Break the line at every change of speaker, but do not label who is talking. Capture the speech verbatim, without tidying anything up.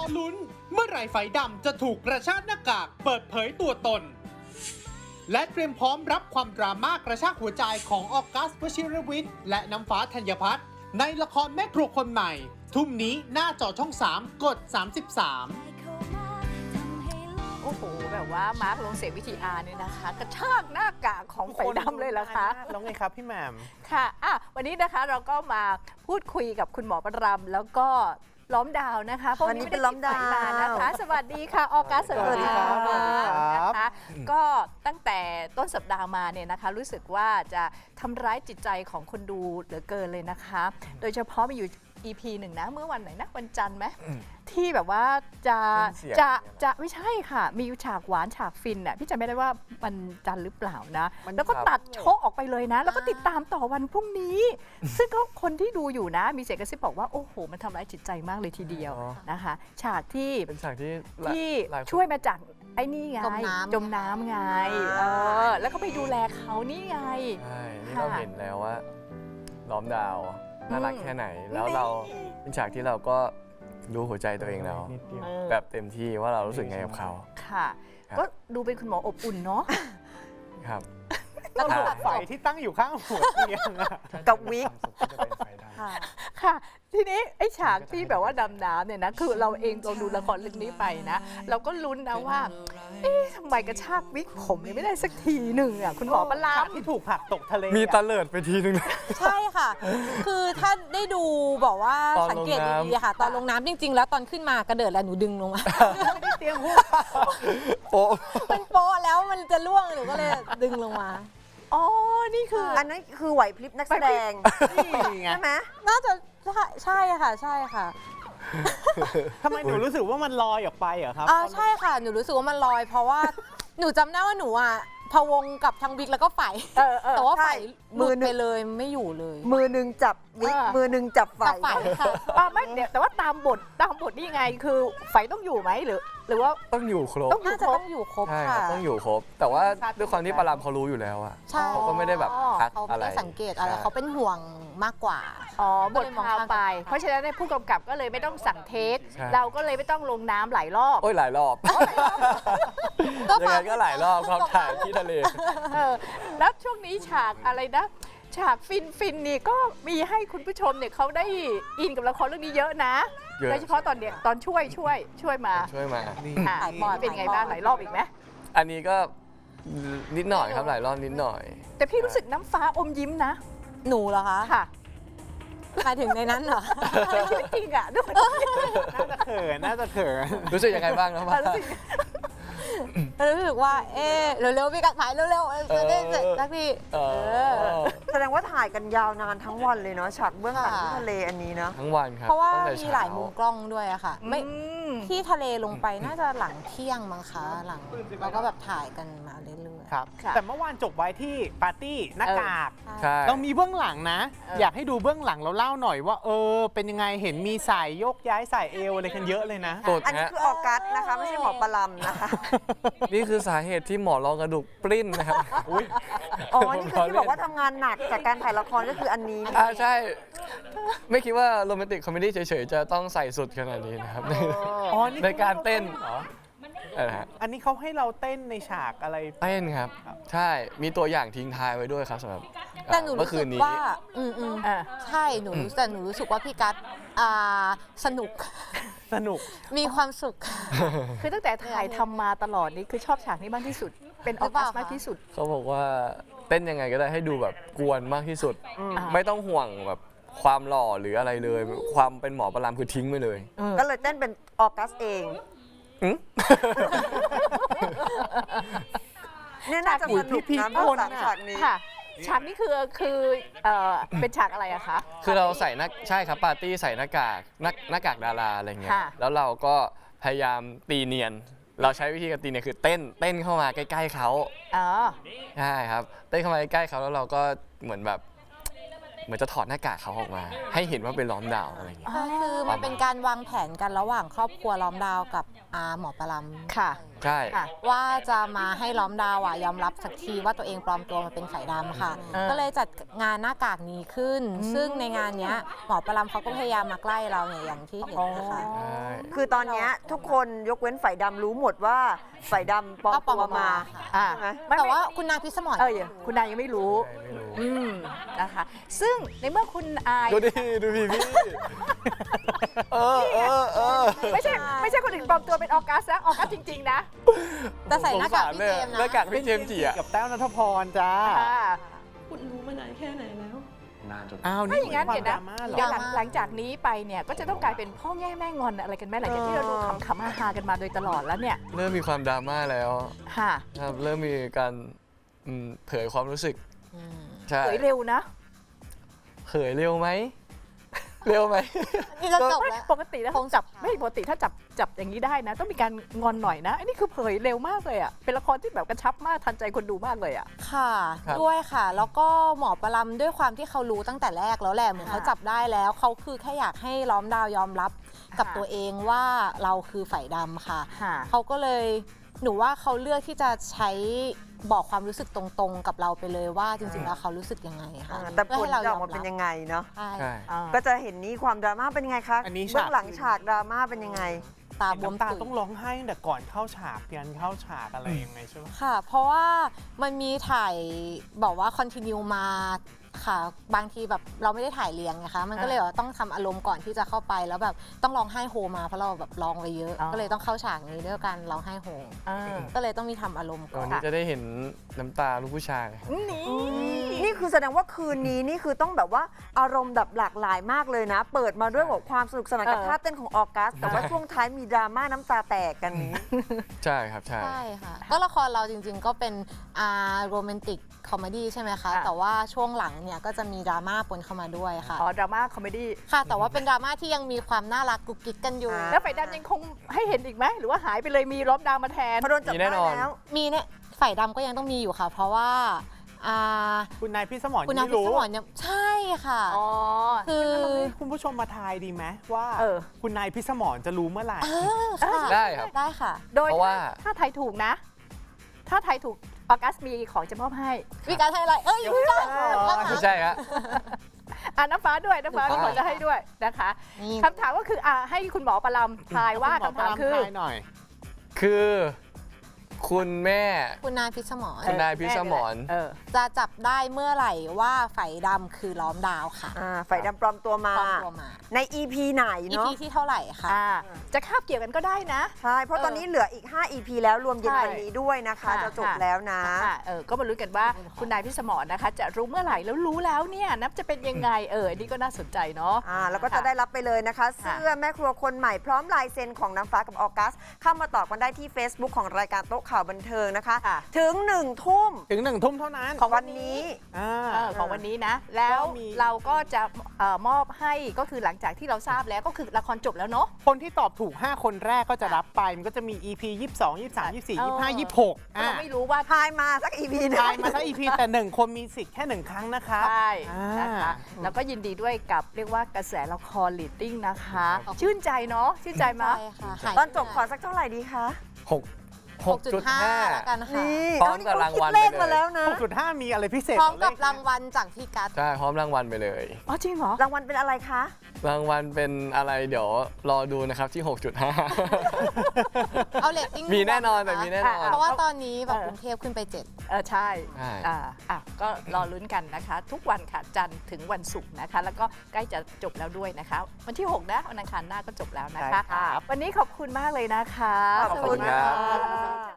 ลุ้นเมื่อไหร่ไฟดำจะถูกกระชากหน้ากากเปิดเผยตัวตน และเตรียมพร้อมรับความดราม่ากระชากหัวใจของออกัส วชิรวิทย์และน้ำฟ้าธัญพัฒน์ในละครแม่ครัวคนใหม่ ทุ่มนี้หน้าจอช่องสามกดสามสิบสาม
โอ้โหแบบว่ามาร์คลงเสียวิธีอาร์เนี่ยนะคะ กระชากหน้ากากของไฟดำเลยล่ะคะ
แล้วไงครับพี่แหม่ม
ค่ะอ่ะ วันนี้นะคะเราก็มาพูดคุยกับคุณหมอประรำแล้วก็ล้อมดาวนะคะพวก
วันนี้
ไม่
เป็นล้อมดาว
ไมานะคะ สวัสดีค่ะออกัสสวัสดีค่ะ
สวัสดีครับ
นะคะก็ตั้งแต่ต้นสัปดาห์มาเนี่ยนะคะ รู้สึกว่าจะทำร้ายจิตใจของคนดูเหลือเกินเลยนะคะ โดยเฉพาะมีอยู่ อี พี หนึ่งนะเมื่อวันไหนนะวันจันทร์ไหมที่แบบว่าจะจะจะไม่ใช่ค่ะ มีฉากหวานฉากฟินน่ะพี่จำไม่ได้ว่าวันจันทร์หรือเปล่านะ แล้วก็ตัดโชะออกไปเลยนะ แล้วก็ติดตามต่อวันพรุ่งนี้ ซึ่งก็คนที่ดูอยู่นะ มีเสียงกระซิบบอกว่า โอ้โห มันทำร้ายจิตใจมากเลยทีเดียวนะคะ ฉากที่
เป็นฉากที่
ที่
หลาคน
ช่วยมาจากไอ้นี่ไง
จมน้ำ
จมน้ำไงเออแล้วก็ไปดูแลเขานี่ไง
ใช่นี่
ค่ะ
เราเห็นแล้วว่าล้อมดาวน่ารัก
อืม
แค่ไหน แล้วเราเป็นฉากที่เราก็รู้หัวใจตัวเองแล้ว
นิดเดียว
เออ
แบบเต็มที่ว่าเรารู้สึกไงกับเขา
ค่ะ
ครับ
ก็ดูเป็นคุณหมออบอุ่นเนาะ
ครับ
แล้วก็ไฟที่ตั้งอยู่ข้างหัวเตียงอะ
กับวิก
ค่ะค่ะ ทีนี้ไอ้ฉากที่แบบว่าดำน้ำเนี่ยนะคือเราเองเราดูละครเรื่องนี้ไปนะ เราก็ลุ้นนะว่า เอ๊ะทำไมกระชากวิกผมยังไม่ได้สักทีหนึ่งอ่ะคุณหมอประลา
ฉาม กที่ถูกผลักตกทะเล
มี
อะ
ตะเลิดไปทีนึง
ใช่ค่ะ คือถ้าได้ดูบอกว่า
ตอนลง
สังเกต
น้ำ
ดีๆค่ะ ตอนลงน้ำจริง ๆ แล้วตอนขึ้นมากระเดิดแล้วหนูดึงลงมา
ไม่ได้เตรียมหัว
โป๊ะ
มันโป๊ะแล้วมันจะล่วงหนูก็เลยดึงลงมา
อ๋อ นี่คือ
อันนั้นคือไหวพริบนักแสดง
นี่ไง
ใช่ไหม
น่าจะใช่ใช่ค่ะ ใช่ค่ะ
ทำไมหนูรู้สึกว่ามันลอยออกไปเหรอครับ
อ่าใช่ค่ะ หนูรู้สึกว่ามันลอย เพราะว่าหนูจำได้ว่าหนูอ่ะพะวงกับทางวิกแล้วก็ไฝ
เออเออ
แต่ว่าไฝ
ใช่
มือ
มือหนึ่
ไป
ง
เลยไม่อยู่เลย
มือหนึ่งจับวิก
อ่ามื
มือหนึ่งจับไฟ
กับไฝค่ะ
อ่าไม่เดี๋ยวแต่ว่าตามบทตามบทนี่ยังไงคือไฟต้องอยู่ไหมหรือ หรือว่า
ต้องอยู่ครบ
ต้องอยู่
น่าจะ
ครบ
ต้องอยู่ครบ
ใช่ครั
ค่ะ
บต้องอยู่ครบ แต่ว่าด้วยความที่ปารามเขารู้อยู่แล้วอะ
ใช่
เขาก็ไม่ได้แบบทัก
เขา
อะ
ไม่
ไร
ได้สังเกตอะไร
ใช่
เขาเป็นห่วงมากกว่า
อ๋อบท
ก็เลยมอง
พา
ข้าม
ไป
ไป
เพราะฉะนั้นในยผู้กำกับก็เลยไม่ต้องสั่งเทค
ใช่
เราก็เลยไม่ต้องลงน้ำหลายรอบ
โอ้ยหลายรอบยังไงก็หลายรอบครับถ่ายที่ทะเล
เออแล้วช่วงนี้ฉากอะไรนะ ฉากฟินฟินนี่ก็มีให้คุณผู้ชมเนี่ยเขาได้อินกับละครเรื่องนี้เยอะนะ
เยอะ
โดยเฉพาะตอนเนี้ยตอนช่วยช่วยช่วยมา
ช่วยมา
ค่ะ
หลายบอด
เป็นไงบ้างหลายรอบอีกไหม
อันนี้ก็นิดหน่อยครับหลายรอบนิดหน่อย
แต่พี่รู้สึกน้ำฟ้าอมยิ้มนะ
หนูเหรอคะ
ค่ะ
หมายถึงในนั้นเหรอ
ในชีวิตจริงอ่ะด้วย
น่าจะเขิน น่าจะเขิน
รู้สึกยังไงบ้างครับว่า
รู้สึก
รู้สึกว่า เอ๊ะเร็วๆพี่กัดถ่ายเร็วๆจะได้เสร็จสักที
เออ
แสดงว่าถ่ายกันยาวนานทั้งวันเลยเนาะฉากเบื้องหลังที่ทะเลอันนี้เนาะ
ทั้งวันครับ
เพราะว่า
ตั้งแต่
มี
เช้
หลายมุมกล้องด้วยอะค่ะ ไม่
อืม
ที่ทะเลลงไปน่าจะหลังเที่ยงมั้งคะหลังแล้วก็แบบถ่ายกันมาเรื่อยๆ
ครับ
ค่ะ
แต่เมื่อวานจบไว้ที่ปาร์ตี้หน้ากาก
ใช่
เรามีเบื้องหลังนะ
เออ
อ
อ
ยากให้ดูเบื้องหลังเราเล่าหน่อยว่า เออ เป็นยังไง เห็นมีสายโยกย้ายสายเอวอะไรกันเยอะเลยนะ
สุด
อันนี้
ฮะ
คือออกัสนะคะ ไม่ใช่หมอปลำนะคะ
นี่คือสาเหตุที่หมอรองกระดูกปริ้นนะครับ
อ๋อ นี่คือที่บอกว่าทำงานหนักจากการถ่ายละครก็คืออันนี้
อ่าใช่ ไม่คิดว่าโรแมนติกคอมเมดี้เฉยๆ จะต้องใส่สุดขนาดนี้นะครับ
อ๋อ นี่
ในการเต้น
เหรอ
อะไรฮะ
อันนี้เขาให้เราเต้นในฉากอะไร
เต้นครับ ใช่มีตัวอย่างทิ้งท้ายไว้ด้วยครับสำหรับ
แต่หนู
เมื่
รู้
อคื
สึ
น
ก
นี้
ว่า อืมอืม
อ่ะ
ใช่หนูรู้แต่หนูรู้สึกว่าพี่กัดอ่าสนุก
สนุก
มีความสุข
คือตั้งแต่ถ่ายทำมาตลอดนี่คือชอบฉากนี้มากที่สุด เป็นออกัสมากที่สุด
เขาบอกว่าเต้นยังไงก็ได้ให้ดูแบบกวนมากที่สุด
อ่า
ไม่ต้องห่วงแบบความหล่อหรืออะไรเลย ความเป็นหมอประลามคือทิ้งไปเลย
ก็เลยเต้นเป็นออกัสเอง
อืม
เนี่ยน่าจะสนุก
พี่
นะ
ๆ
เบื้องหลัง
คนน่ะ
ฉากนี้
ค่ะ ฉากนี้คือคือเอ่อเป็นฉากอะไรอะคะ
คือเราใส่หน้าใช่ครับปาร์ตี้ใส่หน้ากากหน้าหน้ากากดาราอะไรเงี้ย
ค่ะ
แล้วเราก็พยายามตีเนียน เราใช้วิธีการตีเนียนคือเต้นเต้นเข้ามาใกล้ๆเขา
อ๋อ
ใช่ครับเต้นเข้ามาใกล้ๆเขาแล้วเราก็เหมือนแบบเหมือนจะถอดหน้ากากเขาออกมา ให้เห็นว่าเป็นล้อมดาวอะไรเงี้ย
ก็คือมันเป็นการวางแผนกันระหว่างครอบครัวล้อมดาวกับอาหมอปล
ค่ะ
อใช่
ค่ะ
ว่าจะมาให้ล้อมดาวอ่ะยอมรับสักทีว่าตัวเองปลอมตัวมาเป็นไฝดำค่ะ
เออ
ก็เลยจัดงานหน้ากากนี้ขึ้น ซึ่งในงานเนี้ยหมอประลำเขาก็พยายามมาใกล้เราเนี่ยอย่างที่เห็นนะคะ
ใช่
คือตอนเนี้ยทุกคนยกเว้นฝ่ายดำรู้หมดว่าฝ่ายดำปลอม
ก็ปลอ
ตัว
ม
มา
ค่ะ
อ่า
ใช่ไหม
ไม่
แต่
ไม่
ว่าคุณนายพิสมร
เอออย่าคุณนายยังไม่รู้
ไม่รู้
อืมนะคะ ซึ่งในเมื่อคุณอาย
ดูดิดูพี่พี่เออเออเออ
ไม่ใช่ไม่ใช่คนอื่นปลอมตัวเป็นออกัสนะออกัสจริง ๆ นะ
แต่ใส่หน้ากากพี่เจมส์
หน้า
นะ
กากพี่เจมส์จีอะ
กับแต้วนัทพรจ้า
ค่ะ
คุณรู้มานานแค่ไหนแล้ว
อ้าว
ถ้า
นี่
อย่างนั้น
ควา
เดี๋
ม
ยว
ด
นะ
ราม่าเหรอ
เดี๋ยวหลังหลังจากนี้ไปเนี่ยก็จะต้องกลายเป็นพ่อแง่แม่งอนอะไรกันแม่หลังจากที่เราดูขำๆฮาๆกันมาโดยตลอดแล้วเนี่ย
เริ่มมีความดราม่าแล้ว
ค่ะ
ครับเริ่มมีการอืมเผยความรู้สึก
อืม
ใช่
เผยเร็วนะ
เผยเร็วไหม เร็วไหม
นี่จะจบ
ไม่
แล้ว
ปกติแล้วคงจับไม่ปกติถ้าจับจับอย่างนี้ได้นะ ต้องมีการงอนหน่อยนะอันนี้คือเผยเร็วมากเลยอ่ะเป็นละครที่แบบกระชับมากทันใจคนดูมากเลยอ่ะ
ค่ะ
ครับ
ด้วยค่ะ แล้วก็หมอประลำด้วยความที่เขารู้ตั้งแต่แรกแล้วแหละเหมือน
ค่ะ
เขาจับได้แล้วเขาคือแค่อยากให้ล้อมดาวยอมรับกับ
ค่ะ
ตัวเองว่าเราคือฝ่ายดำค่ะ
ค่ะ
เขาก็เลยหนูว่าเขาเลือกที่จะใช้บอกความรู้สึกตรงๆ กับเราไปเลยว่าจริงๆแล้วเขารู้สึกยังไงค่ะ
อ่าแต่ผ
เพื่อ
ล
ให้เรา
จะ
ย
อ
อ
อก
ม
มาเป็น
รับ
ยังไงเนาะ
ใช่
ใช่
อ่า
ก็จะเห็นนี้ความดราม่าเป็นยังไงคะ
อันนี้
เบื้อง
ฉาก
หลังฉากดราม่าเป็นยังไง
ตาบวม
น้ำตา
ตุ่
ต้องร้องไห้ตั้งแต่ก่อนเข้าฉากยันเข้าฉากอะไรยังไงใช่ไหม
ค่ะ เพราะว่ามันมีถ่ายบอกว่าคอนติเนียมาค่ะ บางทีแบบเราไม่ได้ถ่ายเรียงไงคะมันก็เลยแบบต้องทำอารมณ์ก่อนที่จะเข้าไปแล้วแบบต้องร้องไห้โฮมาเพราะเราแบบร้องไปเยอะ
อ๋อ
ก็เลยต้องเข้าฉากนี้ด้วยการร้องไห้โฮ
อ่า
ก็เลยต้องมีทำอารมณ์ก่อ
วัน
น
นี้จะได้เห็นน้ำตาลูกผู้ชาย
นี่
นี่คือแสดงว่าคืนนี้นี่คือต้องแบบว่าอารมณ์แบบหลากหลายมากเลยนะ เปิดมาด้วยแบบความสนุกสนานกับ
เออ
ท่าเต้นของออกัส แต่ว่าช่วงท้ายมีดราม่าน้ำตาแตกกันนี้
ใช่ครับใช่
ใช่ค่ะ ก็ละครเราจริงๆก็เป็นอ่าโรแมนติกคอมเมดี้ใช่ไหมคะ
อ่ะ
แต่ว่าช่วงหลังเนี่ยก็จะมีดราม่าปนเข้ามาด้วยค่ะ
อ๋อดราม่าคอมเมดี้
ค่ะ แต่ว่าเป็นดราม่าที่ยังมีความน่ารักกุ๊กกิ๊กกันอยู่
อ่า
แล้วไฟดำยังคงให้เห็นอีกไหมหรือว่าหายไปเลยมีล้อมดาวมาแทน
พอโดนจับ
มีแน่
ได้
นอน
แล้ว
มีเนี่ยฝ่ายดำก็ยังต้องมีอยู่ค่ะ เพราะว่าอ่า
คุณนายพี่สมร
คุณ
ยัง
นา
ไม่
พิ
รู้
สมรเนี่ยใช่ค่ะ
อ๋อ
คือ
เราให้คุณผู้ชมมาทายดีไหมว่า
เออ
คุณนายพิสมรจะรู้เมื่อไหร่
เออค่ะ
ได้ครับ
ได้ค่ะ
โดย
เพราะว่า
ถ้าไทยถูกนะ ถ้าไทยถูกออกัสมีของจะมอบให้
มีการให้อะไร เอ้ยพี่ก้อง
ไม่ใช่ฮะ
อ่าน้ำฟ้าด้วยน้ำฟ้า
ถู
มี
ก
ค
ต้อง
นจะให้ด้วยนะคะ
นี่
คำถามก็คืออ่าให้คุณหมอประลำทายว่า
ณหมอ
คำถาม
ปร
คือ
ทายหน่อย
คือ คุณแม่
คุณนายพิสมร
คุณนายพิสมร
เออ
จะจับได้เมื่อไหร่ว่าไฝดำคือล้อมดาวค่ะ
อ่าฝ่ายดำปลอมตัวมา
ปลอมตัวมา
ใน อี พี ไหน
อี
เนาะ
พีที่เท่าไหร่คะ
อ่า จะคาบเกี่ยวกันก็ได้นะ
ใช่ เพราะตอนนี้เหลืออีก ห้า อี พี แล้วรวมเย็นวันนี้ด้วยนะคะ
ค่ะ
จะจบแล้วนะ
อ่ะเออ ก็มาลุ้นกันว่าคุณนายพิสมรนะคะ จะรู้เมื่อไหร่แล้วรู้แล้วเนี่ยนับจะเป็นยังไง เอออันนี่ก็น่าสนใจเนาะ
อ่าแล้วก็จะได้รับไปเลยนะคะ เสื้อแม่ครัวคนใหม่พร้อมลายเซ็นของน้ำฟ้ากับออกัส เข้ามาตอบกันได้ที่ Facebook ของรายการโต๊ะข่าวบันเทิงนะคะ
ค่ะ
ถึงหนึ่งทุ่ม
ถึงหนึ่งทุ่มเท่านั้น
ของวั
วัน น
นี้
นี้
อ่า
เออของวันนี้นะ แล้ว
ก็มี
เราก็จะเอ่อมอบให้ก็คือหลังจากที่เราทราบแล้วก็คือละครจบแล้วเนาะ
คนที่ตอบถูก ห้า คนแรกก็จะรับไป มันก็จะมี อี พี ยี่สิบสอง ยี่สิบสาม ยี่สิบสี่ ยี่สิบห้า ยี่สิบหก
เพราะเราไม่รู้ว่า
ทายมาสัก อี พี หนึง
ทายมาสัก อี พี แต่หนึ่งคนมีสิทธิ์แค่หนึ่งครั้งนะครับ
ใช่
อ่าน
นะคะแล้วก็ยินดีด้วยกับเรียกว่ากระแสละครลีดดิ้งนะคะ
ขอบคุณ
ชื่นใจเนาะชื่นใจมั้ย
ใช่ค่ะหาย
ตอนจบขอสักเท่าไหร่ดีคะ
หก หกจุดห้า
แล้วกันค่ะ
นี่
พร้อมกับรางวัล
เอนี่เขคิดเลข
ไปเลย
มาแล้วนะ
หกจุดห้า มีอะไรพิเศษ
พร้อมกับ
เลข
รางวัลจากพี่กัส
ใช่ พร้อมรางวัลไปเลย
อ๋อจริงเหรอ
รางวัลเป็นอะไรคะ
รางวัลเป็นอะไรเดี๋ยวรอดูนะครับที่ หกจุดห้า
เอาเรตติ้ง
มีแน่นอนแต่มีแน่นอน
เพราะว่าตอนนี้แบบ
เออ
กรุงเทพขึ้นไปเจ็ด
เออใช่
ใช่
อ่าอ่ะก็รอลุ้นกันนะคะ ทุกวันค่ะจันทร์ถึงวันศุกร์นะคะ แล้วก็ใกล้จะจบแล้วด้วยนะคะ วันที่ หก นะวันอังคารหน้าก็จบแล้วนะคะ
ใช่ครับ
วันนี้ขอบคุณมากเลยนะคะ
ขอบคุณ
สวัสดี
ครับ
ค่ะ